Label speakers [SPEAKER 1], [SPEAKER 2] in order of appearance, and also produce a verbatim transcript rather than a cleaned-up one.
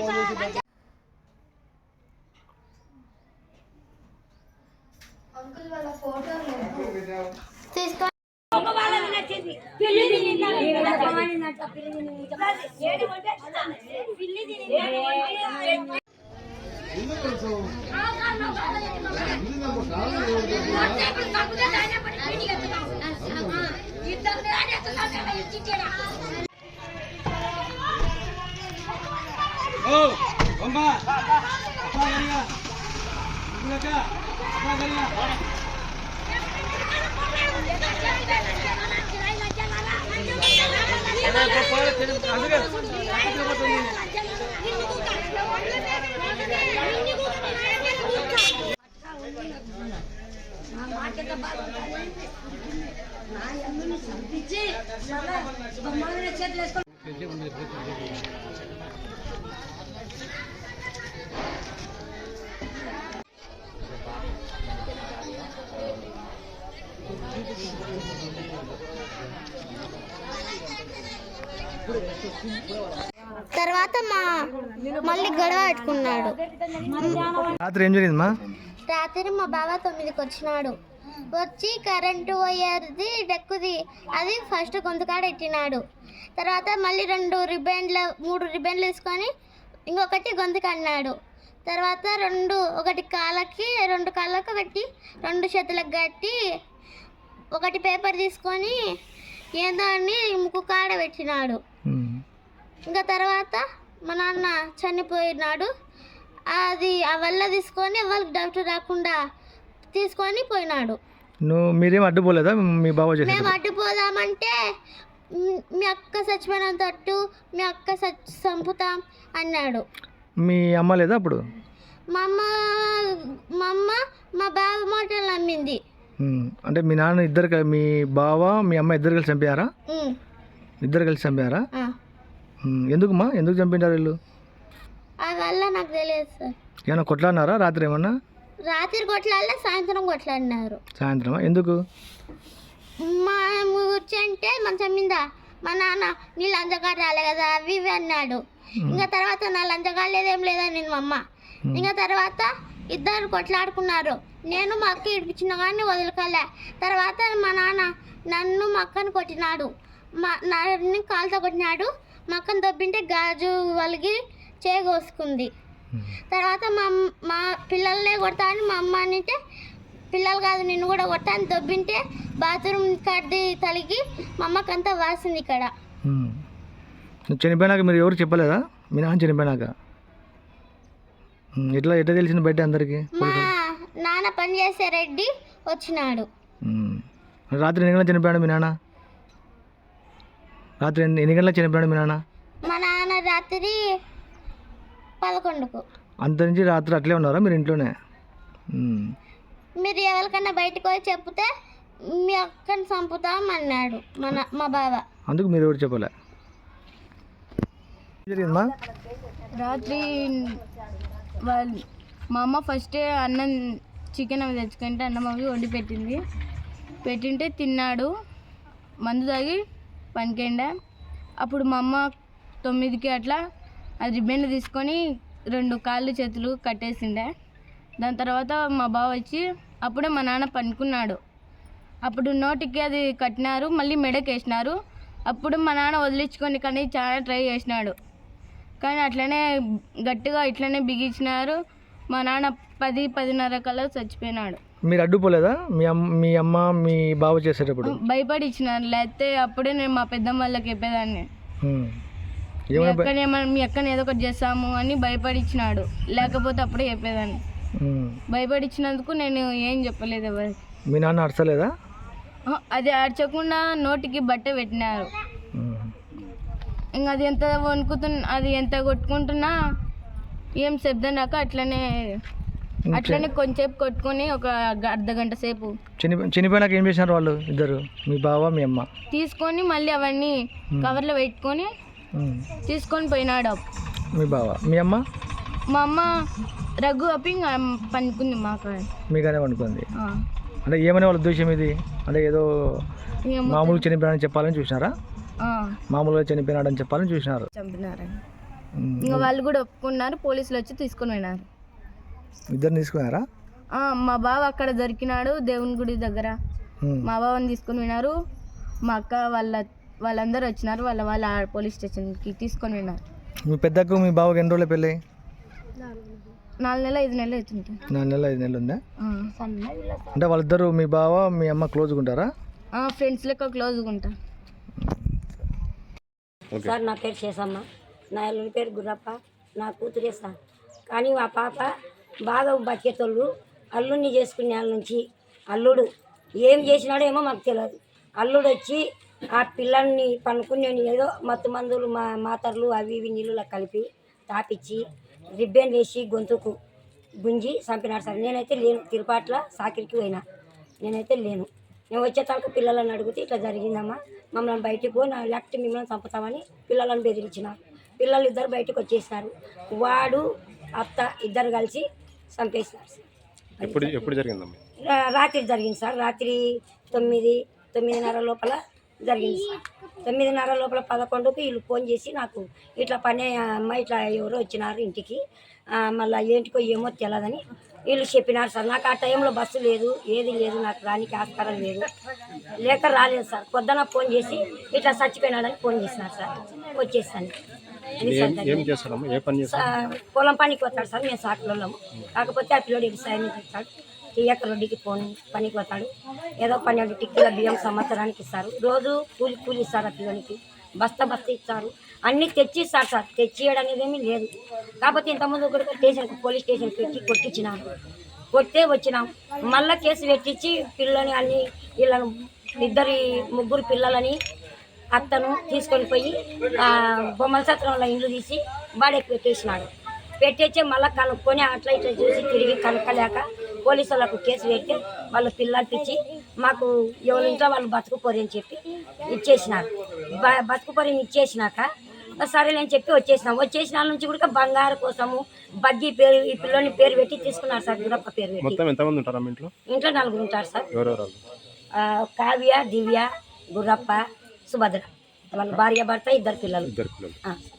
[SPEAKER 1] Oh, Bomba! Apa kalian? Mereka, apa kalian?
[SPEAKER 2] తర్వాత మా మళ్ళీ గొడవ పెట్టుకున్నాడు.
[SPEAKER 1] రాత్రి ఏం జరిగిందమ్మా?
[SPEAKER 2] రాత్రి మా బావ తొమ్మిదికి వచ్చినాడు. వచ్చి కరెంటు పోయేది డెక్కుది అది ఫస్ట్ గొంతుకాడ ఎట్టినాడు. తర్వాత మళ్ళీ రెండు రిబెండ్లు మూడు రిబెండ్లు తీసుకొని ఇంకొకటి గొంతుకు అన్నాడు. తర్వాత రెండు ఒకటి కాళ్ళకి రెండు కాళ్ళకి ఒకటి రెండు చేతులకు కట్టి ఒకటి పేపర్ తీసుకొని ఏదో అని ముక్కు కాడ పెట్టినాడు. ఇంకా తర్వాత మా నాన్న చనిపోయినాడు. అది ఆ వల్ల తీసుకొని వాళ్ళకి డౌట్ రాకుండా తీసుకొని పోయినాడు.
[SPEAKER 1] నువ్వు మీరేం అడ్డుపోలేదా? మీ బావ చేసి
[SPEAKER 2] మేము అడ్డుపోదామంటే మీ అక్క చచ్చిపోయినంత అట్టు మీ అక్క చంపుతాం అన్నాడు.
[SPEAKER 1] మీ అమ్మ లేదా అప్పుడు?
[SPEAKER 2] మా అమ్మ మా అమ్మ మా బావ మాటలు నమ్మింది.
[SPEAKER 1] అంటే మీ నాన్న ఇద్దరు మీ బావ మీ అమ్మ ఇద్దరు కలిసి చంపారా? ఇద్దరు కలిసి చంపారా? ఎందుకుమా ఎందుకు చంపింటారు వీళ్ళు?
[SPEAKER 2] వల్ల నాకు తెలియదు సార్.
[SPEAKER 1] ఏమన్నా కొట్లాడినారా రాత్రి? ఏమన్నా
[SPEAKER 2] రాత్రి కొట్లాడలే, సాయంత్రం కొట్లాడినారు.
[SPEAKER 1] సాయంత్రమా? ఎందుకు?
[SPEAKER 2] మా కూర్చి అంటే మంచం మీద మా నాన్న నీ లంచగారు రాలే కదా అవి ఇవి అన్నాడు. ఇంకా తర్వాత నా లంచగారు లేదేం లేదా నేను మా అమ్మ. ఇంకా తర్వాత ఇద్దరు కొట్లాడుకున్నారు. నేను మా అక్క ఇడిపించిన కానీ వదులుకోలే. తర్వాత మా నాన్న నన్ను మా అక్కను కొట్టినాడు. మా నన్ను కాలుతో కొట్టినాడు. మా అక్కను దొబ్బింటే గాజు వలిగి చేయగోసుకుంది. తర్వాత మా మా పిల్లల్నే కొడతా అని మా అమ్మ అంటే పిల్లలు కాదు నిన్ను కూడా కొడతా అని దొబ్బింటే బాత్రూమ్ కడ్డి తలిగి మా అమ్మకంతా వాసింది ఇక్కడ.
[SPEAKER 1] చనిపోయినాక మీరు ఎవరు చెప్పలేదా? మీ నాన్న చనిపోయినాక ఎట్లా ఎట్లా తెలిసింది బయట అందరికి?
[SPEAKER 2] మా నాన్న పని చేసే రెడ్డి వచ్చినాడు.
[SPEAKER 1] రాత్రి ఎన్ని గంటలకు చనిపోయాడు మీ నాన్న? రాత్రి ఎన్ని గంటలకు చనిపోయాడు మీ నాన్న?
[SPEAKER 2] మా నాన్న రాత్రి పదకొండుకు.
[SPEAKER 1] అంత నుంచి రాత్రి అట్లే ఉన్నారా మీరు ఇంట్లోనే?
[SPEAKER 2] మీరు ఎవరికన్నా బయటకు వచ్చి చెప్తే మీ అక్కని చంపుతాం అన్నాడు మన మా బావ.
[SPEAKER 1] అందుకు మీరు ఎవరు చెప్పలే?
[SPEAKER 3] రాత్రి వాళ్ళు మా అమ్మ ఫస్టే అన్నం చికెన్ అవి తెచ్చుకుంటే అన్నం అవి వండి పెట్టింది. పెట్టింటే తిన్నాడు, మందు తాగి పనికిండే. అప్పుడు మా అమ్మ తొమ్మిదికి అట్లా అది రిబ్బెండ్ తీసుకొని రెండు కాళ్ళు చేతులు కట్టేసిండే. దాని తర్వాత మా బావ వచ్చి అప్పుడే మా నాన్న పనుకున్నాడు. అప్పుడు నోటికి అది కట్టినారు, మళ్ళీ మెడకి వేసినారు. అప్పుడు మా నాన్న వదిలించుకొని కానీ చాలా ట్రై చేసినాడు, కానీ అట్లనే గట్టిగా ఇట్లనే బిగించినారు. మా నాన్న పది పదిన్నర కల్లా చచ్చిపోయినాడు.
[SPEAKER 1] మీరు అడ్డుపోలేదా? మీ అమ్మ మీ అమ్మ మీ బావ చేసేటప్పుడు
[SPEAKER 3] భయపడి ఇచ్చినారు, లేకపోతే అప్పుడే నేను మా పెద్దమ్మ వాళ్ళకి చెప్పేదాన్ని. మీ అక్కని మీ అక్కని ఏదో ఒకటి చేస్తాము అని భయపడి ఇచ్చినాడు, లేకపోతే అప్పుడే చెప్పేదాన్ని. భయపడి ఇచ్చినందుకు నేను ఏం చెప్పలేదు ఎవరికి.
[SPEAKER 1] మీ నాన్న అరచలేదా?
[SPEAKER 3] అది అరచకుండా నోటికి బట్ట పెట్టినారు. ఇంకా అది ఎంత వణుకుతున్నా అది ఎంత కొట్టుకుంటున్నా ఏం శబ్దం రాక అట్లనే అట్లనే కొంచెంసేపు కొట్టుకొని ఒక అర్ధ గంట సేపు
[SPEAKER 1] చనిపోయినాక ఏం చేసినారు వాళ్ళు ఇద్దరు, మీ బావ మీ అమ్మ?
[SPEAKER 3] తీసుకొని మళ్ళీ అవన్నీ కవర్లో పెట్టుకొని తీసుకొని పోయినాడు
[SPEAKER 1] మీ బావ. మీ అమ్మ?
[SPEAKER 3] మా అమ్మ రఘు అప్పి పనుకుంది మాకు.
[SPEAKER 1] మీగానే పనుకుంది. అంటే ఏమనే వాళ్ళ ఉద్దేశం ఇది? అంటే ఏదో మామూలుగా చనిపోయాడని చెప్పాలని చూసినారా? మామూలుగా చనిపోయినాడని చెప్పాలని చూసినారు.
[SPEAKER 3] చంపినారని
[SPEAKER 1] ఉమ్.
[SPEAKER 3] ఇంకా వాళ్ళు కూడా ఒప్పుకున్నారు, పోలీసులు వచ్చి తీసుకొని పోయినారు.
[SPEAKER 1] ఇద్దరిని తీసుకున్నారా?
[SPEAKER 3] ఆ, మా బావ అక్కడ దొరికినాడు దేవుని గుడి దగ్గర.
[SPEAKER 1] ఉమ్.
[SPEAKER 3] మా బావని తీసుకొని పోయినారు. మా అక్క వాళ్ళ వాళ్ళందరూ వచ్చినారు, వాళ్ళ వాళ్ళ పోలీస్ స్టేషన్కి తీసుకొని పోయినారు.
[SPEAKER 1] మీ పెద్దకు మీ బావకి ఎన్ని రోజుల పెళ్ళి?
[SPEAKER 3] నాలుగు నెలలు ఐదు నెలలు అవుతుంది.
[SPEAKER 1] నాలుగు నెలలు ఐదు నెలలు ఉందా?
[SPEAKER 3] ఆ.
[SPEAKER 1] అంటే వాళ్ళిద్దరు మీ బావ మీ అమ్మ క్లోజ్గా ఉంటారా?
[SPEAKER 3] ఆ, ఫ్రెండ్స్ లెక్క క్లోజ్గా ఉంటాం.
[SPEAKER 4] సార్ నా పేరు శేషమ్మ, నా అల్లుడి పేరు గుర్రప్ప, నా కూతురే సార్. కానీ మా పాప బాగా బతికేతోళ్ళు అల్లుడిని చేసుకునే వాళ్ళ నుంచి అల్లుడు ఏం చేసినాడో ఏమో మాకు తెలియదు. అల్లుడు వచ్చి ఆ పిల్లల్ని పనుకునే ఏదో మత్తు మందులు మా మాతర్లు అవి ఇవి నీళ్ళలో కలిపి తాపిచ్చి రిబ్బెన్ వేసి గొంతుకు గుంజి చంపినాడు సార్. నేనైతే లేను, తిరుపాట్ల సాకిరికి పోయినా, నేనైతే లేను. నేను వచ్చే తరకు పిల్లలను అడిగితే ఇట్లా జరిగిందమ్మా, మమ్మల్ని బయటికి పో, నా లేకపోతే మిమ్మల్ని చంపుతామని పిల్లలను బెదిరించినారు. పిల్లలు ఇద్దరు బయటకు వచ్చేసినారు. వాడు అత్త ఇద్దరు కలిసి చంపేసినారు సార్.
[SPEAKER 5] ఎప్పుడు ఎప్పుడు జరిగిందమ్మా?
[SPEAKER 4] రా- రాత్రి జరిగింది సార్. రాత్రి తొమ్మిది తొమ్మిదిన్నర లోపల జరిగింది సార్. తొమ్మిదిన్నర లోపల పదకొండుకు వీళ్ళు ఫోన్ చేసి నాకు ఇట్లా పని అమ్మ ఇట్లా ఎవరో వచ్చినారు ఇంటికి, మళ్ళీ ఏంటికో ఏమో తెలియదని వీళ్ళు చెప్పినారు సార్. నాకు ఆ టైంలో బస్సు లేదు, ఏది లేదు, నాకు రానికి ఆస్కారం లేదు, లేక రాలేదు సార్. పొద్దున ఫోన్ చేసి ఇట్లా చచ్చిపోయినాడని ఫోన్ చేసినారు సార్. వచ్చేసాను. ఇది సార్
[SPEAKER 5] ఏం చేస్తారమ్మా? ఏ పని చేస్తారు?
[SPEAKER 4] సా- పొలం పనికి పోతాడు సార్, మేము సాకులోళ్ళము. కాకపోతే ఆ పిల్లడు వ్యవసాయం చేస్తాడు, తీయక రొడ్డికి పోని పనికి పోతాడు. ఏదో పన్నెండు టిక్కీల బియ్యం సంవత్సరానికి ఇస్తారు. రోజు కూలి కూలి ఇస్తారు ఆ పిల్లనికి, బస్తా బస్తా ఇస్తారు, అన్నీ తెచ్చి ఇస్తారు సార్. తెచ్చియడం అనేది ఏమీ లేదు. కాకపోతే ఇంతకుముందు కూడా స్టేషన్కి పోలీస్ స్టేషన్కి పెట్టి కొట్టించినాము. కొట్టే వచ్చినాం, మళ్ళీ కేసు పెట్టించి పిల్లని అన్ని వీళ్ళను ఇద్దరి ముగ్గురు పిల్లలని అత్తను తీసుకొని పోయి బొమ్మల సత్రంలో ఇండ్లు తీసి బాడీకి పెట్టేసినాడు. పెట్టేసి మళ్ళీ కనుక్కొని అట్లా ఇట్లా చూసి తిరిగి కనుక్కలేక పోలీసు వాళ్ళకు కేసు పెడితే వాళ్ళు పిల్లల్పిచ్చి మాకు ఎవరి ఇంట్లో వాళ్ళు బతుకుపోరు అని చెప్పి ఇచ్చేసినారు. బ బతుకుపోరని ఇచ్చేసినాక సరేలేని చెప్పి వచ్చేసినాం. వచ్చేసిన వాళ్ళ నుంచి కూడా బంగారు కోసము బగ్గి పేరు ఈ పిల్లని పేరు పెట్టి తీసుకున్నారు సార్. గురప్ప పేరు పెట్టి.
[SPEAKER 5] మొత్తం ఎంతమంది ఉంటారా మీ ఇంట్లో?
[SPEAKER 4] ఇంట్లో నలుగురు ఉంటారు సార్.
[SPEAKER 5] ఎవరెవరు?
[SPEAKER 4] ఆ, కావ్య, దివ్య, గుర్రప్ప, సుభద్ర, వాళ్ళ భార్య భర్త ఇద్దరు పిల్లలు.
[SPEAKER 5] ఇద్దరు పిల్లలు.
[SPEAKER 4] ఆ.